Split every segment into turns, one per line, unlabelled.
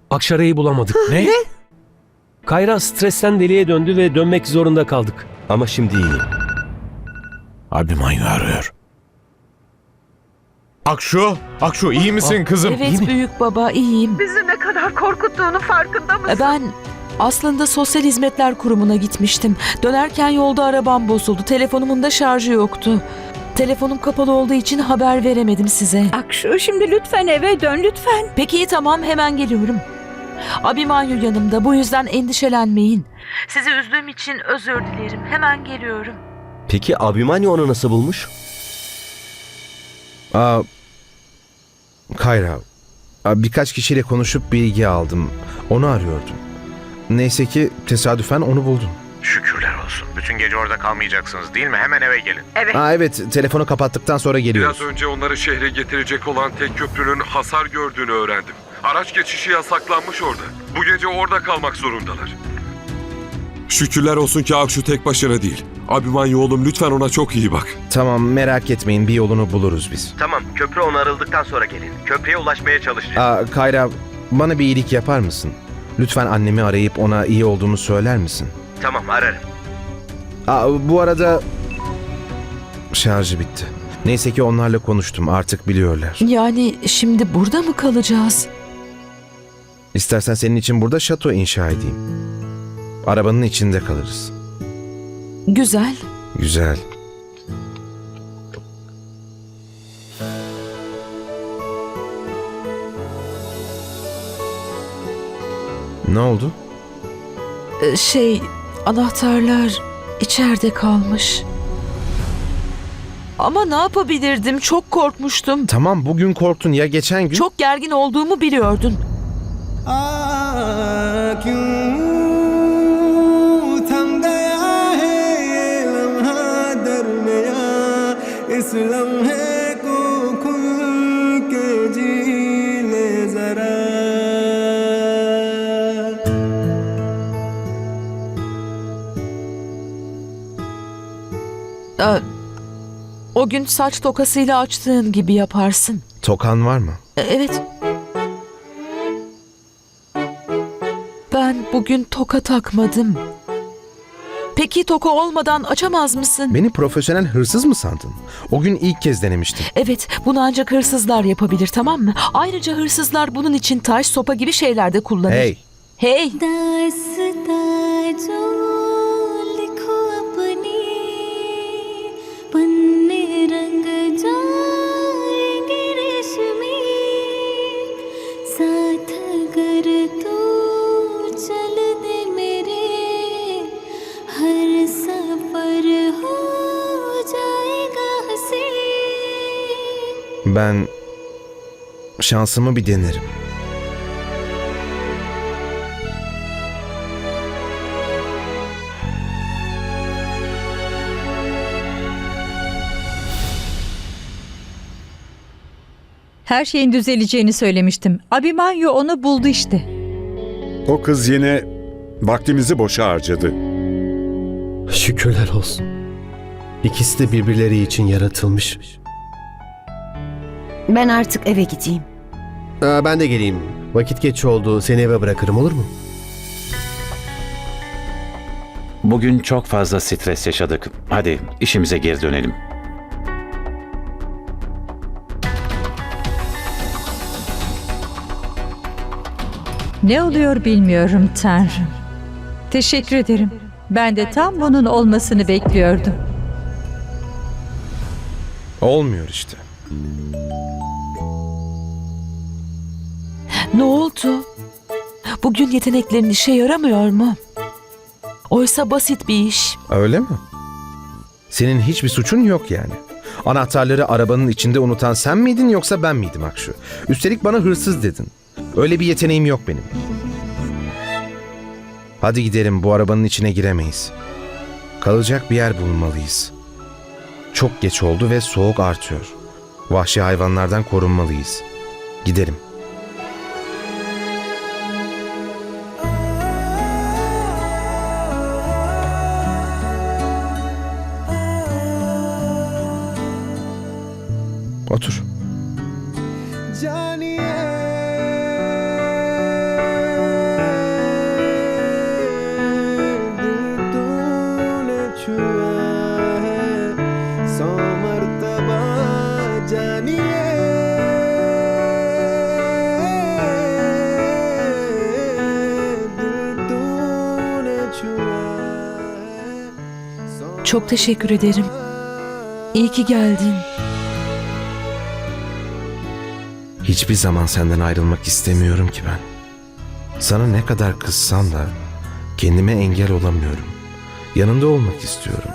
Akşara'yı bulamadık.
Ne?
Kayra stresten deliye döndü ve dönmek zorunda kaldık.
Ama şimdi iyi.
Abimanyu arıyor. Akşu iyi misin kızım?
Evet büyük baba, iyiyim.
Bizi ne kadar korkuttuğunu farkında mısın?
Ben aslında Sosyal Hizmetler Kurumu'na gitmiştim. Dönerken yolda arabam bozuldu. Telefonumun da şarjı yoktu. Telefonum kapalı olduğu için haber veremedim size.
Akşu, şimdi lütfen eve dön lütfen.
Peki tamam, hemen geliyorum. Abimanyu yanımda, bu yüzden endişelenmeyin. Sizi üzdüğüm için özür dilerim. Hemen geliyorum.
Peki Abimanyu onu nasıl bulmuş?
Kayra, birkaç kişiyle konuşup bilgi aldım. Onu arıyordum. Neyse ki tesadüfen onu buldum.
Şükürler olsun. Bütün gece orada kalmayacaksınız değil mi? Hemen eve gelin.
Evet, telefonu kapattıktan sonra geliyoruz.
Biraz önce onları şehre getirecek olan tek köprünün hasar gördüğünü öğrendim. Araç geçişi yasaklanmış orada. Bu gece orada kalmak zorundalar. Şükürler olsun ki Akşu tek başına değil. Abimanyu oğlum, lütfen ona çok iyi bak.
Tamam, merak etmeyin, bir yolunu buluruz biz.
Tamam, köprü onarıldıktan sonra gelin. Köprüye ulaşmaya çalışacağız.
Kayra, bana bir iyilik yapar mısın? Lütfen annemi arayıp ona iyi olduğumu söyler misin?
Tamam, ararım.
Bu arada şarjı bitti. Neyse ki onlarla konuştum, artık biliyorlar.
Yani şimdi burada mı kalacağız?
İstersen senin için burada şato inşa edeyim. Arabanın içinde kalırız.
Güzel.
Güzel. Ne oldu?
Anahtarlar içeride kalmış. Ama ne yapabilirdim? Çok korkmuştum.
Tamam, bugün korktun ya, geçen gün...
Çok gergin olduğumu biliyordun. O gün saç tokasıyla açtığın gibi yaparsın.
Tokan var mı?
Evet. Ben bugün toka takmadım. Peki toka olmadan açamaz mısın?
Beni profesyonel hırsız mı sandın? O gün ilk kez denemiştim.
Evet, bunu ancak hırsızlar yapabilir, tamam mı? Ayrıca hırsızlar bunun için taş, sopa gibi şeyler de kullanır.
Hey!
Hey!
Ben şansımı bir denerim.
Her şeyin düzeleceğini söylemiştim. Abimanyu onu buldu işte.
O kız yine vaktimizi boşa harcadı.
Şükürler olsun. İkisi de birbirleri için yaratılmış.
Ben artık eve gideyim.
Ben de geleyim. Vakit geç oldu. Seni eve bırakırım, olur mu?
Bugün çok fazla stres yaşadık. Hadi işimize geri dönelim.
Ne oluyor bilmiyorum Tanrım. Teşekkür ederim. Ben de tam bunun olmasını bekliyordum.
Olmuyor işte.
Ne oldu? Bugün yeteneklerin işe yaramıyor mu? Oysa basit bir iş.
Öyle mi? Senin hiçbir suçun yok yani. Anahtarları arabanın içinde unutan sen miydin yoksa ben miydim Akşu? Üstelik bana hırsız dedin. Öyle bir yeteneğim yok benim. Hadi gidelim, bu arabanın içine giremeyiz. Kalacak bir yer bulmalıyız. Çok geç oldu ve soğuk artıyor. Vahşi hayvanlardan korunmalıyız. Gidelim. Otur.
Çok teşekkür ederim. İyi ki geldin.
Hiçbir zaman senden ayrılmak istemiyorum ki ben. Sana ne kadar kızsam da kendime engel olamıyorum. Yanında olmak istiyorum.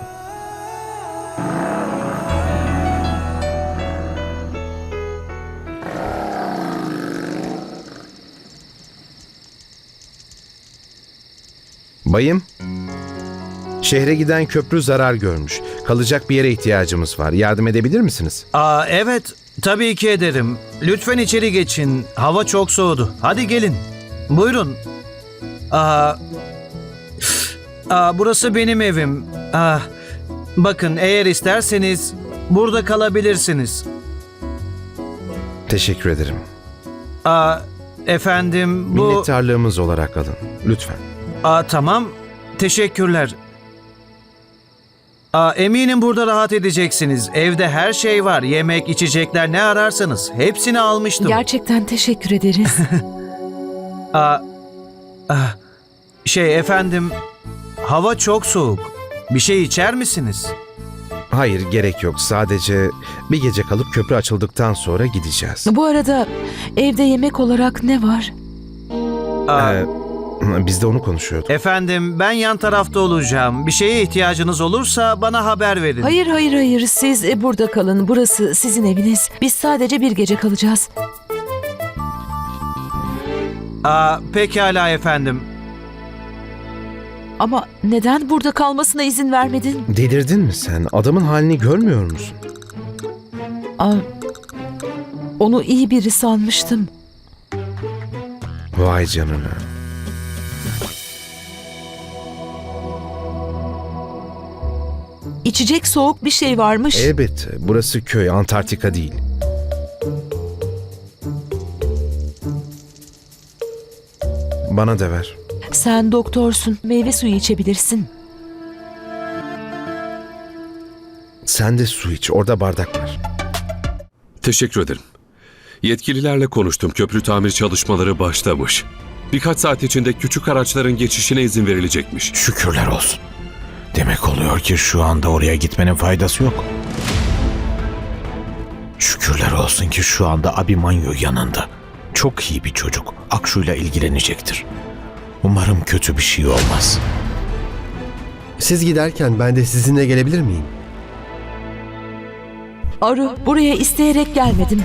Bayım, şehre giden köprü zarar görmüş. Kalacak bir yere ihtiyacımız var. Yardım edebilir misiniz?
Evet, tabii ki ederim. Lütfen içeri geçin. Hava çok soğudu. Hadi gelin. Buyurun. Burası benim evim. Bakın, eğer isterseniz burada kalabilirsiniz.
Teşekkür ederim.
Efendim, bu...
Minnettarlığımız olarak alın. Lütfen.
Tamam. Teşekkürler. Eminim burada rahat edeceksiniz. Evde her şey var. Yemek, içecekler, ne ararsanız. Hepsini almıştım.
Gerçekten teşekkür ederiz.
Efendim, hava çok soğuk. Bir şey içer misiniz?
Hayır, gerek yok. Sadece bir gece kalıp köprü açıldıktan sonra gideceğiz.
Bu arada evde yemek olarak ne var?
Biz de onu konuşuyorduk.
Efendim, ben yan tarafta olacağım. Bir şeye ihtiyacınız olursa bana haber verin.
Hayır. Siz burada kalın. Burası sizin eviniz. Biz sadece bir gece kalacağız.
Pekala efendim.
Ama neden burada kalmasına izin vermedin?
Delirdin mi sen? Adamın halini görmüyor musun?
Onu iyi biri sanmıştım.
Vay canına.
İçecek soğuk bir şey varmış.
Elbette. Burası köy, Antarktika değil. Bana da ver.
Sen doktorsun. Meyve suyu içebilirsin.
Sen de su iç. Orada bardak var.
Teşekkür ederim. Yetkililerle konuştum. Köprü tamir çalışmaları başlamış. Birkaç saat içinde küçük araçların geçişine izin verilecekmiş.
Şükürler olsun. Demek oluyor ki şu anda oraya gitmenin faydası yok. Şükürler olsun ki şu anda Abimanyu yanında. Çok iyi bir çocuk. Akşu'yla ilgilenecektir. Umarım kötü bir şey olmaz.
Siz giderken ben de sizinle gelebilir miyim?
Aru, buraya isteyerek gelmedim.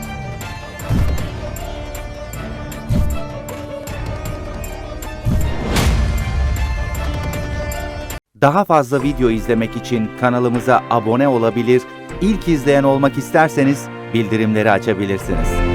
Daha fazla video izlemek için kanalımıza abone olabilir, ilk izleyen olmak isterseniz bildirimleri açabilirsiniz.